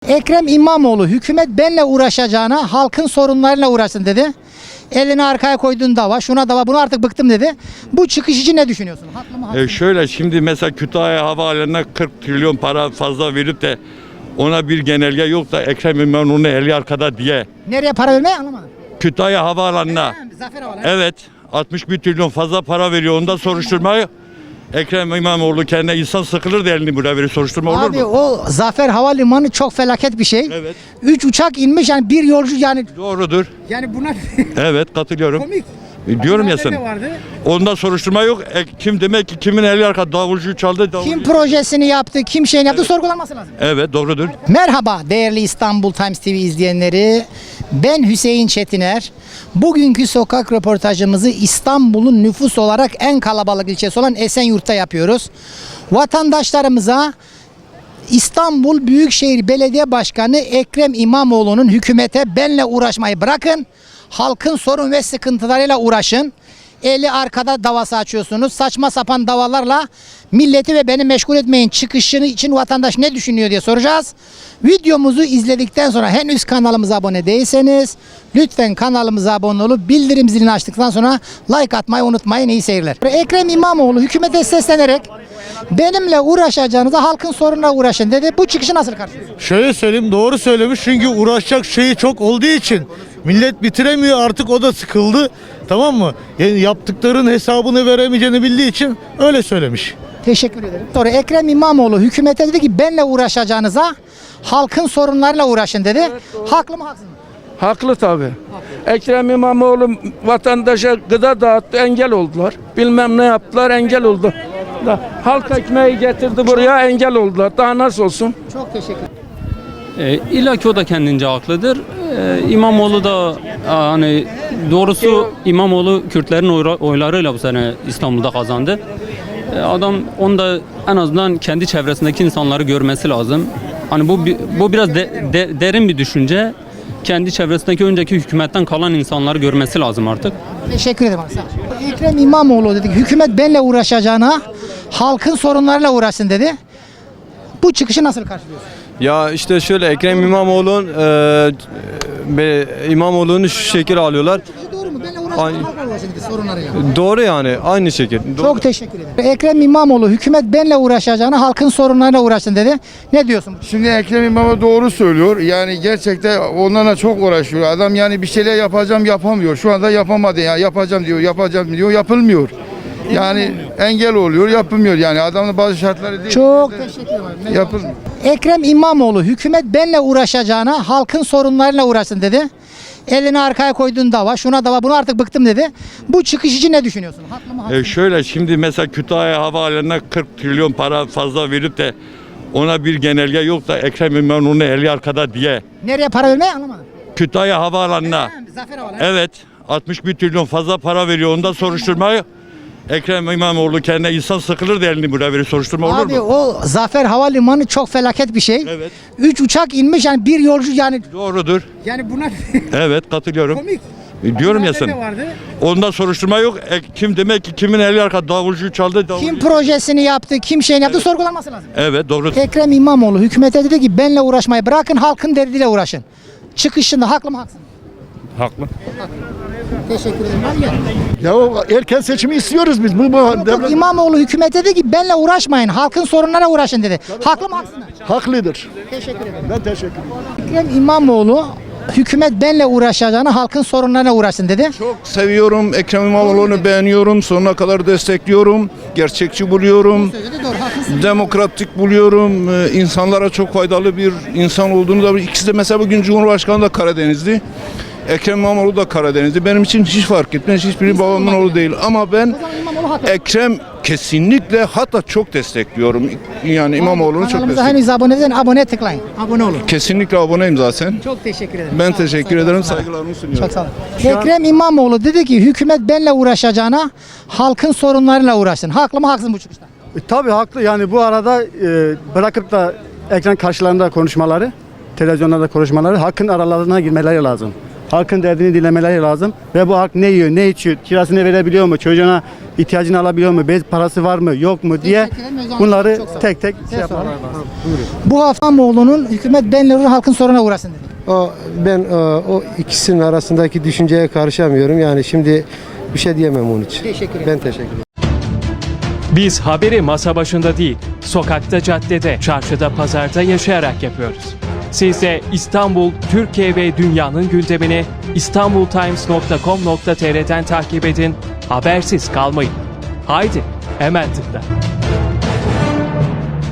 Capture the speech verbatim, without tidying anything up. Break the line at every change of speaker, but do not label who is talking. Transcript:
Ekrem İmamoğlu hükümet benle uğraşacağına halkın sorunlarıyla uğraşsın dedi. Elini arkaya koyduğun dava, şuna dava, bunu artık bıktım dedi. Bu çıkış için ne düşünüyorsun? Haklı mı, haksız
E
mı?
şöyle şimdi mesela Kütahya Havaalanı'na kırk trilyon para fazla verip de ona bir genelge yok da Ekrem İmamoğlu'nu eli arkada diye.
Nereye para vermeyi anlamadım.
Kütahya Havaalanı'na
Zafer Havalı.
evet altmış bir trilyon fazla para veriyor, onda soruşturmayı Ekrem İmamoğlu kendine insan sıkılır da elini buraya verir, soruşturma olur
Abi
mu?
o Zafer Havalimanı çok felaket bir şey.
Evet.
Üç uçak inmiş, yani bir yolcu, yani
Doğrudur.
yani buna
Evet, katılıyorum.
komik.
E, Diyorum ya
Haberde
sana.
de vardı.
Onda soruşturma yok. E, kim demek ki kimin eli arkada davulcuyu çaldı? Davulcu...
Kim projesini yaptı, kim şeyini yaptı, sorgulanması lazım.
Evet, doğrudur.
Merhaba değerli İstanbul Times T V izleyenleri. Ben Hüseyin Çetiner. Bugünkü sokak röportajımızı İstanbul'un nüfus olarak en kalabalık ilçesi olan Esenyurt'ta yapıyoruz. Vatandaşlarımıza İstanbul Büyükşehir Belediye Başkanı Ekrem İmamoğlu'nun hükümete benle uğraşmayı bırakın, halkın sorun ve sıkıntılarıyla uğraşın. Eli arkada davası açıyorsunuz. Saçma sapan davalarla milleti ve beni meşgul etmeyin çıkışını için vatandaş ne düşünüyor diye soracağız. Videomuzu izledikten sonra henüz kanalımıza abone değilseniz lütfen kanalımıza abone olup bildirim zilini açtıktan sonra like atmayı unutmayın. İyi seyirler. Ekrem İmamoğlu hükümete seslenerek benimle uğraşacağınıza halkın sorununa uğraşın dedi. Bu çıkışı nasıl karşılıyorsun?
Şöyle söyleyeyim, doğru söylemiş çünkü uğraşacak şeyi çok olduğu için millet bitiremiyor, artık o da sıkıldı, tamam mı? Yani yaptıkların hesabını veremeyeceğini bildiği için öyle söylemiş.
Teşekkür ederim. Sonra Ekrem İmamoğlu hükümete dedi ki benle uğraşacağınıza halkın sorunlarıyla uğraşın dedi. Haklı mı, haksız mı?
Haklı tabii. Ekrem İmamoğlu vatandaşa gıda dağıttı, engel oldular. Bilmem ne yaptılar, engel oldu. Da, halk ekmeği getirdi buraya, engel oldular. Daha nasıl olsun?
Çok teşekkür ederim.
E, İlla ki o da kendince haklıdır. E, İmamoğlu da e, hani doğrusu İmamoğlu Kürtlerin oyra- oylarıyla bu sene İstanbul'da kazandı. E, adam onu da en azından kendi çevresindeki insanları görmesi lazım. Hani bu bi- bu biraz de- de- derin bir düşünce. Kendi çevresindeki önceki hükümetten kalan insanları görmesi lazım artık.
Teşekkür ederim. Sağ ol. Ekrem İmamoğlu dedi ki hükümet benle uğraşacağına halkın sorunlarıyla uğraşsın dedi. Bu çıkışı nasıl karşılıyorsun?
Ya işte şöyle Ekrem İmamoğlu'nun e, be- İmamoğlu'nu şu şekil alıyorlar.
E doğru mu? Benle
Ay-
uğraşacağına halkla uğraşın dedi sorunlarıyla.
Doğru yani aynı şekil. Doğru.
Çok teşekkür ederim. Ekrem İmamoğlu hükümet benle uğraşacağına halkın sorunlarıyla uğraşsın dedi. Ne diyorsun?
Şimdi Ekrem İmamoğlu doğru söylüyor. Yani gerçekten onlarla çok uğraşıyor. Adam yani bir şeyler yapacağım yapamıyor. Şu anda yapamadı ya. Yapacağım diyor, yapacağım diyor, yapılmıyor. Yani engel oluyor, yapılmıyor. Yani adamın bazı şartları değil.
Çok teşekkür ederim.
Yapılmıyor.
Ekrem İmamoğlu hükümet benle uğraşacağına halkın sorunlarıyla uğraşsın dedi. Elini arkaya koyduğun dava, şuna dava, bunu artık bıktım dedi. Bu çıkış için ne düşünüyorsun? Haklı mı, haksız
E
mı?
şöyle şimdi mesela Kütahya Havaalanı'na kırk trilyon para fazla verip de ona bir genelge yok da Ekrem İmamoğlu'nu eli arkada diye.
Nereye para vermeyi anlamadım.
Kütahya Havaalanı'na
Zafer Havalı.
evet altmış bir trilyon fazla para veriyor, onda soruşturmayı Ekrem İmamoğlu kendine insan sıkılır da elini buraya verir, soruşturma olur
Abi
mu?
o Zafer Havalimanı çok felaket bir şey.
Evet.
Üç uçak inmiş, yani bir yolcu, yani
Doğrudur.
yani buna
Evet, katılıyorum.
komik.
E, Diyorum ya
Haberde
sana.
de vardı.
Onda soruşturma yok. E, kim demek ki kimin eli arkada davulcuyu çaldı? Davulcu...
Kim projesini yaptı, kim şeyini yaptı, sorgulanması lazım.
Evet, doğru.
Ekrem İmamoğlu hükümete dedi ki benle uğraşmayı bırakın, halkın derdiyle uğraşın. Çıkışında haklı mı, haksız mı?
Haklı.
Teşekkür ederim. Hadi gel.
Ya erken seçimi istiyoruz biz. Bu, bu
Yok,
devlet
İmamoğlu hükümete dedi ki benle uğraşmayın, halkın sorunlara uğraşın dedi. Haklı mı, haksız mı?
haklıdır.
Teşekkür ederim.
Ben teşekkür ederim.
Ekrem İmamoğlu hükümet benle uğraşacağına halkın sorunlarına uğraşsın dedi.
Çok seviyorum. Ekrem İmamoğlu'nu beğeniyorum. Sonuna kadar destekliyorum. Gerçekçi buluyorum.
Söyledi, doğru, haklısın.
Demokratik buluyorum. Ee, insanlara çok faydalı bir insan olduğunu da, ikisi de mesela bugün Cumhurbaşkanı da Karadenizli. Ekrem İmamoğlu da Karadenizli. Benim için hiç fark etmez. Hiçbiri babamın oğlu değil. Ama ben
O zaman İmamoğlu haklı.
Ekrem kesinlikle, hatta çok destekliyorum. Yani İmamoğlu'nu çok
Kanalımıza
destekliyorum.
henüz abone değilseniz abone tıklayın. Abone olun.
Kesinlikle aboneyim zaten.
Çok teşekkür ederim.
Ben
Sağ olun,
teşekkür
saygılar.
ederim. Saygılarımı sunuyorum.
Çok sağ olun. Ekrem İmamoğlu dedi ki hükümet benle uğraşacağına halkın sorunlarıyla uğraşsın. Haklı mı, haksız mı bu çıkışta?
E, tabii haklı. Yani bu arada e, bırakıp da ekran karşılarında konuşmaları, televizyonlarda konuşmaları, hakkın aralarına girmeleri lazım. halkın derdini dinlemeleri lazım. Ve bu halk ne yiyor, ne içiyor, kirasını verebiliyor mu, çocuğuna ihtiyacını alabiliyor mu, bez parası var mı, yok mu diye
Teşekkür ederim Özlem
bunları
Hanım, çok sağ olun.
tek tek
Size
şey yapmaları
soralım.
lazım.
Bu hafta İmamoğlu'nun hükümet benleri halkın soruna uğrasın dedi.
O ben o, o ikisinin arasındaki düşünceye karışamıyorum. Yani şimdi bir şey diyemem onun için.
Teşekkür ederim.
Ben teşekkür ederim.
Biz haberi masa başında değil, sokakta, caddede, çarşıda, pazarda yaşayarak yapıyoruz. Siz de İstanbul, Türkiye ve dünyanın gündemini istanbultimes nokta com nokta tr'den takip edin, habersiz kalmayın. Haydi, hemen tıkla.